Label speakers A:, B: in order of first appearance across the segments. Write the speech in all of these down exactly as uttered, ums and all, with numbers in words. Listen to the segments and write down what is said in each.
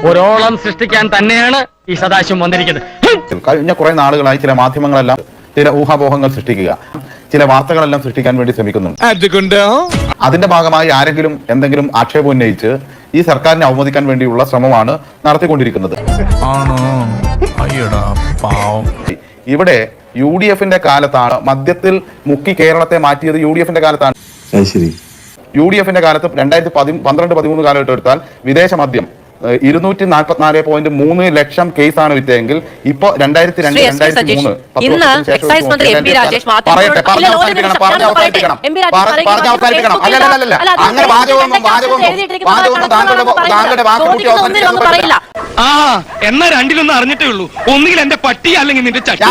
A: ഒരോളം സൃഷ്ടിക്കാൻ തന്നെയാണ് ഈ സദാശിവം വന്നിരിക്കുന്നത്.
B: കഴിഞ്ഞ കുറെ നാളുകളായി ചില മാധ്യമങ്ങളെല്ലാം ചില ഊഹാപോഹങ്ങൾ സൃഷ്ടിക്കുക, ചില വാർത്തകളെല്ലാം സൃഷ്ടിക്കാൻ വേണ്ടി ശ്രമിക്കുന്നുണ്ട്. അതിന്റെ ഭാഗമായി ആരെങ്കിലും എന്തെങ്കിലും ആക്ഷേപം ഉന്നയിച്ച് ഈ സർക്കാരിനെ അവമതിക്കാൻ വേണ്ടിയുള്ള ശ്രമമാണ് നടത്തിക്കൊണ്ടിരിക്കുന്നത്. ഇവിടെ യു ഡി എഫിന്റെ കാലത്താണ് മദ്യത്തിൽ മുക്കി കേരളത്തെ മാറ്റിയത്. യു ഡി എഫിന്റെ കാലത്താണ്. യു ഡി എഫിന്റെ കാലത്ത് രണ്ടായിരത്തി പതി പന്ത്രണ്ട് പതിമൂന്ന് കാലഘട്ടം എടുത്താൽ വിദേശ മദ്യം ഇരുന്നൂറ്റി നാൽപ്പത്തിനാല് പോയിന്റ് മൂന്ന് ലക്ഷം കേസാണ് വിറ്റതെങ്കിൽ ഇപ്പൊ രണ്ടായിരത്തി രണ്ട് രണ്ടായിരത്തി മൂന്ന് പറയട്ടെ പറഞ്ഞ അവസാനിപ്പിക്കണം പറഞ്ഞ അവസാനിപ്പിക്കണം പറഞ്ഞ അവസാനിപ്പിക്കണം അല്ലല്ല അങ്ങനെ വാചകമൊന്നും വാചകമൊന്നും വാചകമൊന്നും താങ്കളുടെ താങ്കളുടെ വാക്ക് കൂട്ടി അവസാനിപ്പിക്കാൻ
A: ആ എന്നാ രണ്ടിലൊന്നും അറിഞ്ഞിട്ടേ ഉള്ളൂ. ഒന്നുകിൽ എന്റെ പട്ടി അല്ലെങ്കിൽ നിന്റെ ചട്ടി.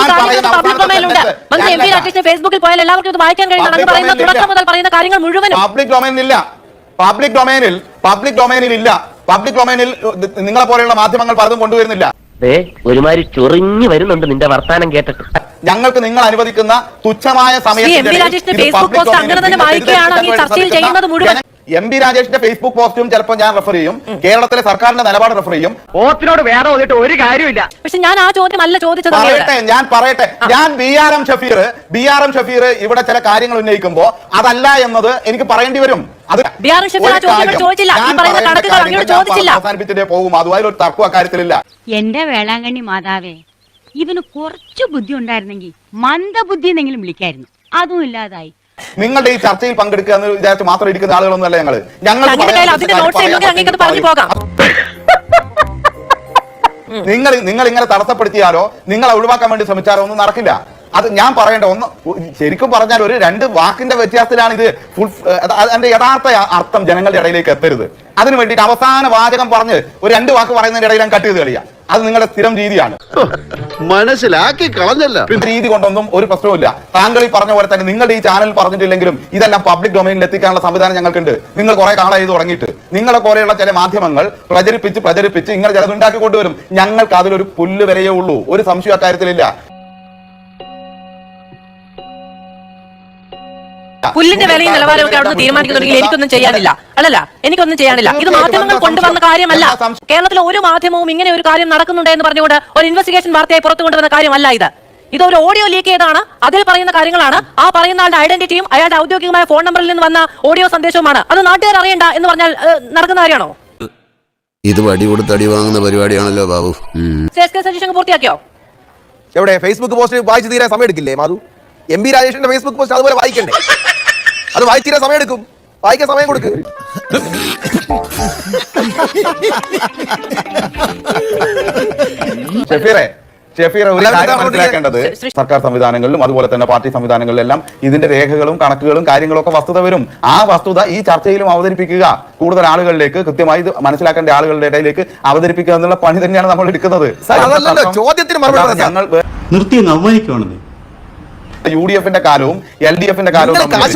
C: ഫേസ്ബുക്കിൽ പോയാൽ എല്ലാവർക്കും ഇത് വായിക്കാൻ കഴിയുന്ന മുഴുവൻ
B: പബ്ലിക് ഡൊമൈനിൽ പബ്ലിക് ഡൊമൈനിൽ പബ്ലിക് ഡൊമൈനിൽ ഇല്ല. പബ്ലിക് ഡൊമൈനിൽ നിങ്ങളെ പോലെയുള്ള മാധ്യമങ്ങൾ പലതും കൊണ്ടുവരുന്നില്ല.
D: ഒരുമാതിരി ചൊറിഞ്ഞു വരുന്നുണ്ട് നിന്റെ വർത്താനം കേട്ടിട്ട്.
B: ഞങ്ങൾക്ക് നിങ്ങൾ അനുവദിക്കുന്ന തുച്ഛമായ സമയത്ത് എം പി രാജേഷിന്റെ ഫേസ്ബുക്ക് പോസ്റ്റും ചിലപ്പോൾ ഞാൻ റെഫർ ചെയ്യും, കേരളത്തിലെ സർക്കാരിന്റെ നിലപാട് റെഫർ ചെയ്യും.
A: ഓത്തിനോട് വേറെ വന്നിട്ട് ഒരു കാര്യമില്ല.
C: പക്ഷെ ഞാൻ ആ ചോദ്യം അല്ല ചോദിച്ചത്.
B: പറയട്ടെ ഞാൻ പറയട്ടെ ഞാൻ B R M Shafeer B R M Shafeer ഇവിടെ ചില കാര്യങ്ങൾ ഉന്നയിക്കുമ്പോ അതല്ല എന്നത് എനിക്ക് പറയേണ്ടി വരും. അത് അവസാനിപ്പിച്ചിട്ടേ പോകും. അതുമായി ഒരു തർക്കം അക്കാര്യത്തിലില്ല.
E: എന്റെ വേളാങ്കണ്ണി മാതാവേ, ഇവന് കുറച്ചു ബുദ്ധി ഉണ്ടായിരുന്നെങ്കിൽ മന്ദബുദ്ധി എന്നെങ്കിലും വിളിക്കായിരുന്നു. അതും ഇല്ലാതായി.
B: നിങ്ങളുടെ ഈ ചർച്ചയിൽ പങ്കെടുക്കുക എന്ന് വിചാരിച്ച് മാത്രം ഇരിക്കുന്ന ആളുകളൊന്നും അല്ല ഞങ്ങള്. ഞങ്ങൾ നിങ്ങൾ നിങ്ങൾ ഇങ്ങനെ തടസ്സപ്പെടുത്തിയാലോ നിങ്ങളെ ഒഴിവാക്കാൻ വേണ്ടി ശ്രമിച്ചാലോ ഒന്നും നടക്കില്ല. അത് ഞാൻ പറയേണ്ട ഒന്ന് ശരിക്കും പറഞ്ഞാൽ ഒരു രണ്ട് വാക്കിന്റെ വ്യത്യാസത്തിലാണ് ഇത് ഫുൾ. അതിന്റെ യഥാർത്ഥ അർത്ഥം ജനങ്ങളുടെ ഇടയിലേക്ക് എത്തരുത്. അതിനു വേണ്ടിയിട്ട് അവസാന വാചകം പറഞ്ഞ് ഒരു രണ്ട് വാക്ക് പറയുന്നതിന്റെ ഇടയിൽ ഞാൻ കട്ട് ചെയ്ത് കളിയാ. അത് നിങ്ങളുടെ സ്ഥിരം രീതിയാണ്.
F: മനസ്സിലാക്കി കളഞ്ഞല്ല.
B: രീതി കൊണ്ടൊന്നും ഒരു പ്രശ്നവുമില്ല. താങ്കൾ ഈ പറഞ്ഞ പോലെ തന്നെ നിങ്ങളുടെ ഈ ചാനൽ പറഞ്ഞിട്ടില്ലെങ്കിലും ഇതെല്ലാം പബ്ലിക് ഡൊമൈനിൽ എത്തിക്കാനുള്ള സംവിധാനം ഞങ്ങൾക്കുണ്ട്. നിങ്ങൾ കുറെ കാലമായി ഇത് തുടങ്ങിയിട്ട് നിങ്ങളെ പോലെയുള്ള ചില മാധ്യമങ്ങൾ പ്രചരിപ്പിച്ച് പ്രചരിപ്പിച്ച് ഇങ്ങനെ ചിലതുണ്ടാക്കി കൊണ്ടുവരും. ഞങ്ങൾക്ക് അതിലൊരു പുല്ല് വരെയേ ഉള്ളൂ. ഒരു സംശയം അക്കാര്യത്തിലില്ല.
C: പുല്ലിന്റെ വിലയും നിലവാരമൊക്കെ അവിടെ നിന്ന് തീരുമാനിക്കുന്നുണ്ടെങ്കിൽ എനിക്കൊന്നും ചെയ്യാനില്ല. അല്ലല്ല എനിക്കൊന്നും ചെയ്യാനില്ല. ഇത് മാധ്യമങ്ങൾ കൊണ്ടുവന്ന കാര്യമല്ല. കേരളത്തിലെ ഒരു മാധ്യമവും ഇങ്ങനെ ഒരു കാര്യം നടക്കുന്നുണ്ട് എന്ന് പറഞ്ഞുകൊണ്ട് ഒരു ഇൻവെസ്റ്റിഗേഷൻ വാർത്തയായി പുറത്തു കൊണ്ടുവന്ന കാര്യമല്ല ഇത്. ഇതൊരു ഓഡിയോ ലീക്ക് ചെയ്താണ്. അതിൽ പറയുന്ന കാര്യങ്ങളാണ്. ആ പറയുന്ന ആളുടെ ഐഡന്റിറ്റിയും അയാളുടെ ഔദ്യോഗികമായ ഫോൺ നമ്പറിൽ നിന്ന് വന്ന ഓഡിയോ സന്ദേശവുമാണ്. അത് നാട്ടുകാർ അറിയണ്ട എന്ന് പറഞ്ഞാൽ നടക്കുന്ന കാര്യമാണോ?
F: ഇത് വടി കൊടുത്ത് അടി വാങ്ങുന്ന പരിപാടിയാണല്ലോ ബാബു.
C: സജീഷൻ പൂർത്തിയാക്കിയോ?
G: എവിടെ ഫേസ്ബുക്ക് പോസ്റ്റ് വായിച്ചു തീരാൻ സമയം എടുക്കില്ലേ മാധു? എം പി രാജേഷിന്റെ ഫേസ്ബുക്ക് പോസ്റ്റ് അതുപോലെ വായിക്കണ്ടേ? അത് വായിച്ചിരാൻ സമയം എടുക്കും. വായിക്കാൻ സമയം കൊടുക്ക്.
B: ഷഫീറെ ഷഫീറെ ഒരു കാര്യം മനസ്സിലാക്കേണ്ടത്, സർക്കാർ സംവിധാനങ്ങളിലും അതുപോലെ തന്നെ പാർട്ടി സംവിധാനങ്ങളിലെല്ലാം ഇതിന്റെ രേഖകളും കണക്കുകളും കാര്യങ്ങളും ഒക്കെ വസ്തുത വരും. ആ വസ്തുത ഈ ചർച്ചയിലും അവതരിപ്പിക്കുക, കൂടുതൽ ആളുകളിലേക്ക് കൃത്യമായി ഇത് മനസ്സിലാക്കേണ്ട ആളുകളുടെ ഇടയിലേക്ക് അവതരിപ്പിക്കുക എന്നുള്ള പണി തന്നെയാണ് നമ്മൾ എടുക്കുന്നത്.
G: ചോദ്യത്തിന് മറുപടി
B: ഞങ്ങൾ
H: നിർത്തി അവമാനിക്കുവാണെന്ന്
B: യു ഡി എഫിന്റെ കാലവും എൽ ഡി എഫിന്റെ കാലവും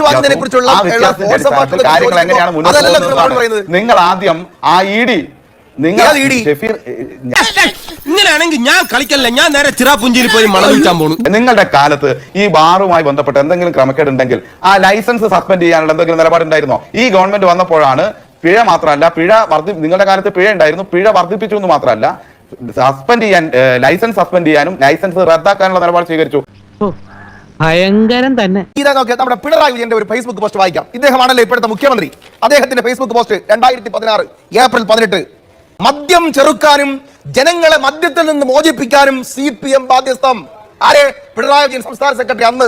B: കാര്യങ്ങൾ എങ്ങനെയാണ് മുന്നോട്ട് പോകുന്നത്? നിങ്ങൾ ആദ്യം ആ ഇ ഡി നിങ്ങൾ
G: ഇങ്ങനെയാണെങ്കിൽ ഞാൻ കളിക്കല്ല, ഞാൻ നേരെ ചിറാപുഞ്ചിയിൽ പോയി മണം വിൽക്കാൻ പോകുന്നു.
B: നിങ്ങളുടെ കാലത്ത് ഈ ബാറുമായി ബന്ധപ്പെട്ട് എന്തെങ്കിലും ക്രമക്കേടുണ്ടെങ്കിൽ ആ ലൈസൻസ് സസ്പെൻഡ് ചെയ്യാനുള്ള എന്തെങ്കിലും നിലപാടുണ്ടായിരുന്നോ? ഈ ഗവൺമെന്റ് വന്നപ്പോഴാണ് പിഴ മാത്രമല്ല പിഴ വർദ്ധി നിങ്ങളുടെ കാലത്ത് പിഴ ഉണ്ടായിരുന്നു, പിഴ വർദ്ധിപ്പിച്ചു എന്ന് മാത്രമല്ല സസ്പെൻഡ് ചെയ്യാൻ ലൈസൻസ് സസ്പെൻഡ് ചെയ്യാനും ലൈസൻസ് റദ്ദാക്കാനുള്ള നിലപാട് സ്വീകരിച്ചു.
A: ഭയങ്കരം തന്നെ.
G: നമ്മുടെ പിണറായി വിജയന്റെ ഒരു ഫേസ്ബുക്ക് പോസ്റ്റ് വായിക്കാം. ഇദ്ദേഹമാണല്ലോ ഇപ്പോഴത്തെ മുഖ്യമന്ത്രി. അദ്ദേഹത്തിന്റെ ഫേസ്ബുക്ക് പോസ്റ്റ് രണ്ടായിരത്തി പതിനാറ് ഏപ്രിൽ പതിനെട്ട്. മദ്യം ചെറുക്കാനും ജനങ്ങളെ മദ്യത്തിൽ നിന്ന് മോചിപ്പിക്കാനും സി പി എം ബാധ്യസ്ഥം. ആരെ? പിണറായി വിജയൻ സംസ്ഥാന സെക്രട്ടറി അന്ന്.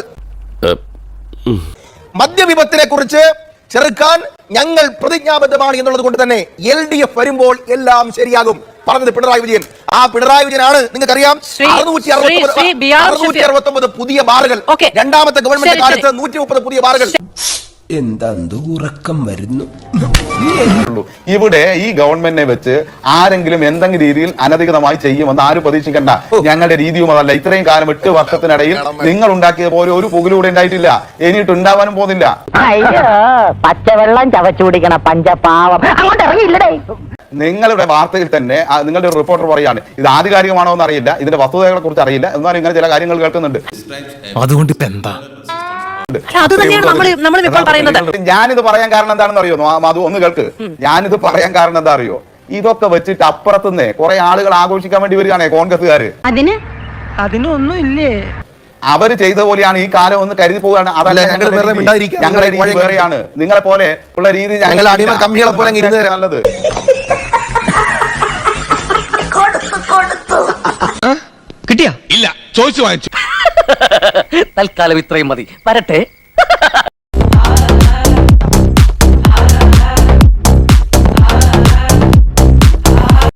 G: മദ്യവിപത്തിനെ കുറിച്ച് ചെറുക്കാൻ ഞങ്ങൾ പ്രതിജ്ഞാബദ്ധമാണ് എന്നുള്ളത് കൊണ്ട് തന്നെ എൽ ഡി എഫ് വരുമ്പോൾ എല്ലാം ശരിയാകും പറഞ്ഞത് പിണറായി വിജയൻ. ആ പിണറായി വിജയനാണ് നിങ്ങൾക്കറിയാം അറുന്നൂറ്റി അറുപത്തി അറുപത്തി ഒമ്പത് പുതിയ ബാറുകൾ, രണ്ടാമത്തെ ഗവൺമെന്റ് കാലത്ത് നൂറ്റി മുപ്പത് പുതിയ ബാറുകൾ.
F: എന്താ ഉറക്കം വരുന്നു.
B: ഇവിടെ ഈ ഗവൺമെന്റിനെ വെച്ച് ആരെങ്കിലും എന്തെങ്കിലും രീതിയിൽ അനധികൃതമായി ചെയ്യുമെന്ന് ആരും പ്രതീക്ഷിക്കണ്ട. ഞങ്ങളുടെ രീതിയും അതല്ല. ഇത്രയും കാലം എട്ട് വർഷത്തിനിടയിൽ നിങ്ങൾ ഉണ്ടാക്കിയ പോലെ ഒരു പുകലൂടെ ഉണ്ടായിട്ടില്ല, ഇനിയിട്ട് ഉണ്ടാവാനും പോകുന്നില്ല.
D: പച്ചവെള്ളം ചവച്ചു കുടിക്കണ പഞ്ചപാവം അങ്ങോട്ട് ഇറങ്ങിയില്ലേ?
B: നിങ്ങളുടെ വാർത്തയിൽ തന്നെ നിങ്ങളുടെ ഒരു റിപ്പോർട്ടർ പറയാണ് ഇത് ആധികാരികമാണോ എന്ന് അറിയില്ല, ഇതിന്റെ വസ്തുതകളെ കുറിച്ച് അറിയില്ല, എന്നാലും ഇങ്ങനെ ചില കാര്യങ്ങൾ കേൾക്കുന്നുണ്ട്.
H: അതുകൊണ്ട് ഇപ്പൊ എന്താ
B: ഞാനിത് പറയാൻ കാരണം എന്താണെന്ന് അറിയോ മാധു? ഒന്ന് കേൾക്ക്. ഞാനിത് പറയാൻ കാരണം എന്താ അറിയോ? ഇതൊക്കെ വെച്ചിട്ട് അപ്പുറത്തുനിന്ന് കുറെ ആളുകൾ ആഘോഷിക്കാൻ വേണ്ടി വരികയാണേ കോൺഗ്രസ്സുകാര്.
E: അതിന്
C: അതിനൊന്നും ഇല്ലേ?
B: അവര് ചെയ്ത പോലെയാണ് ഈ കാലം ഒന്ന് കരുതി പോവുകയാണ്. അതല്ല
G: ഞങ്ങൾ
B: ഞങ്ങളുടെ
G: വെറുതെ
B: രീതി.
G: മിണ്ടാതിരിക്കുക.
B: ഞങ്ങളുടെ രീതി വേറെയാണ്. നിങ്ങളെ പോലെ ഉള്ള രീതി
G: ഞങ്ങൾ അടിമ കമ്പികളെ പോലെ അങ്ങ് ഇരുന്ന് തരാം.
B: നല്ലത്.
A: കിട്ടിയാ ഇല്ല ചോദിച്ചു വാങ്ങിച്ചു.
D: തൽക്കാലം ഇത്രയും മതി. വരട്ടെ.